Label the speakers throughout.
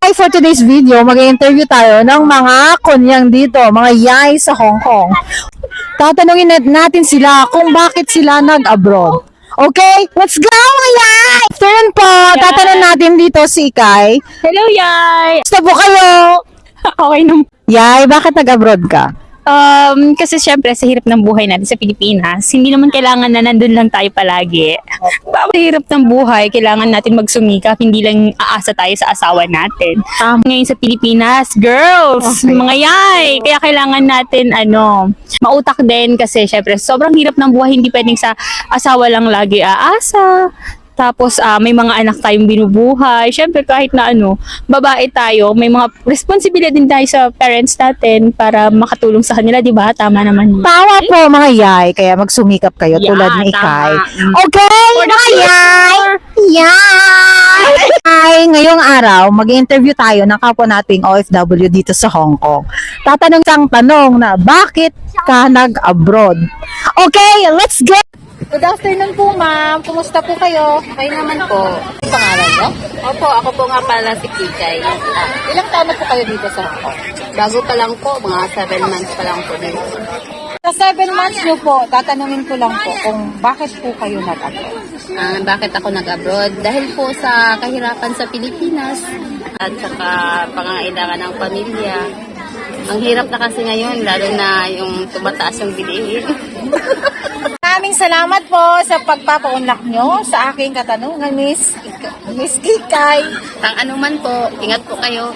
Speaker 1: Yay! For today's video, mag-interview tayo ng mga kunyang dito, mga yay sa Hong Kong. Tatanungin natin sila kung bakit sila nag-abroad. Okay? Let's go, mga yay! Turn po, tatanungin natin dito si Ikay.
Speaker 2: Hello, Yay!
Speaker 1: Gusto po kayo?
Speaker 2: Okay nung...
Speaker 1: Yay, bakit nag-abroad ka?
Speaker 2: Kasi syempre sa hirap ng buhay natin sa Pilipinas, hindi naman kailangan na nandun lang tayo palagi. Sa hirap ng buhay, kailangan natin magsumikap, hindi lang aasa tayo sa asawa natin. Ngayon sa Pilipinas, girls,
Speaker 1: Okay.
Speaker 2: mga yay! Kaya kailangan natin, mautak din kasi syempre sobrang hirap ng buhay, hindi pwedeng sa asawa lang lagi aasa. Tapos may mga anak tayong binubuhay. Siyempre kahit na babae tayo, may mga responsibilidad din tayo sa parents natin para makatulong sa kanila, 'di ba? Tama naman yun.
Speaker 1: Tawa po, mga yay, kaya magsumikap kayo tulad ni Ikay. Okay, mga yay! Yay! Ay, ngayong araw, mag-interview tayo ng kapwa nating OFW dito sa Hong Kong. Tatanong sang tanong na, bakit ka nag-abroad? Okay, let's go! Good afternoon po, ma'am. Kumusta po kayo?
Speaker 3: Okay naman po.
Speaker 1: Ang pangalan niyo?
Speaker 3: Opo, ako po nga pala si Kikay.
Speaker 1: Ilang taon na po kayo dito sa Hong Kong?
Speaker 3: Bago pa lang po, mga 7 months pa lang po dito.
Speaker 1: Sa 7 months niyo po, tatanungin ko lang po kung bakit po kayo nag-abroad.
Speaker 3: Bakit ako nag-abroad? Dahil po sa kahirapan sa Pilipinas at saka pangangailangan ng pamilya. Ang hirap na kasi ngayon, lalo na yung tumataas yung bilihin.
Speaker 1: Maraming salamat po sa pagpapaunlak nyo sa aking katanungan, Miss Kikay.
Speaker 3: Ang anuman po, ingat po kayo.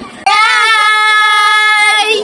Speaker 1: Hi!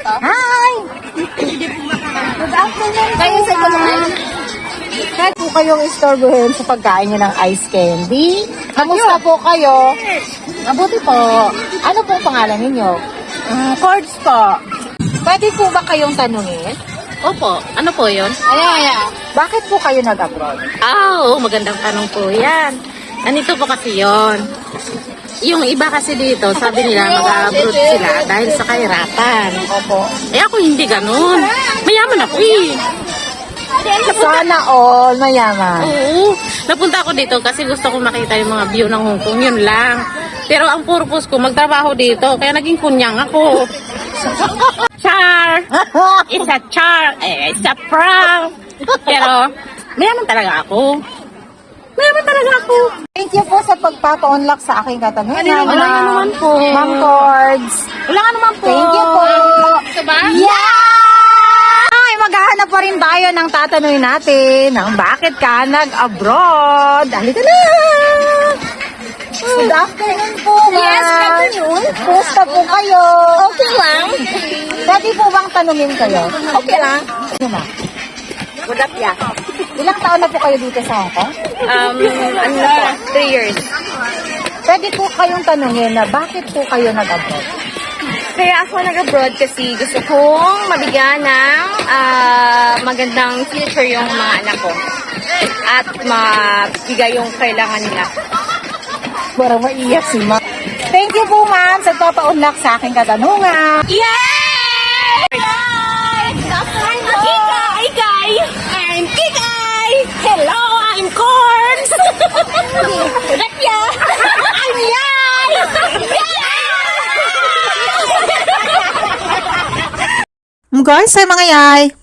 Speaker 1: Good afternoon po, ma'am. Kahit po kayong istorbohin sa pagkain nyo ng ice candy. Kamusta po kayo? Mabuti po. Ano pong pangalan ninyo?
Speaker 3: Chords po.
Speaker 1: Pwede po ba kayong tanungin?
Speaker 3: Opo, ano po yun?
Speaker 1: Bakit po kayo nag-abroad?
Speaker 3: Oo, magandang tanong po yan. Nandito po kasi yon. Yung iba kasi dito, sabi nila mag-abroad sila dahil sa kahirapan.
Speaker 1: Opo.
Speaker 3: Eh ako hindi ganun. Mayaman ako eh.
Speaker 1: Sana all mayaman.
Speaker 3: Oo. Napunta ako dito kasi gusto ko makita yung mga view ng Hong Kong. Yun lang. Pero ang purpose ko, magtrabaho dito. Kaya naging kunyang ako. Char! It's a char! It's a prank! Pero, mayaman talaga ako. Mayaman talaga ako.
Speaker 1: Thank you po sa pagpapa-unlock sa aking katanungan.
Speaker 3: Wala nga naman po.
Speaker 1: Ma'am Cords.
Speaker 3: Wala nga naman po.
Speaker 1: Thank you po.
Speaker 3: Ito ba?
Speaker 1: Yeah! Ay, maghahanap pa rin tayo ng tatanungin natin ng bakit ka nag-abroad. Halika na! Good afternoon po, ma'am.
Speaker 3: Yes, good afternoon.
Speaker 1: Kumusta po kayo?
Speaker 3: Okay lang.
Speaker 1: Pwede po bang tanungin kayo?
Speaker 3: Okay lang.
Speaker 1: Ano ba?
Speaker 3: Good up, yeah.
Speaker 1: Ilang taon na po kayo dito sa Hong Kong?
Speaker 3: Ano na po? 3 years.
Speaker 1: Pwede po kayong tanungin na bakit po kayo nag-abroad?
Speaker 2: Kaya ako nag-abroad kasi gusto kong mabigyan ng magandang future yung mga anak ko. At mabigay yung kailangan nila.
Speaker 1: Parang maiyak si ma'am. Thank you po, ma'am, sa papaunlak sa aking katanungan.
Speaker 2: Yay! I'm Kikay! Kikay! I'm Kikay! Hello, I'm Corns! Rapya! I'm Yay!
Speaker 1: Guys, ay mga yay,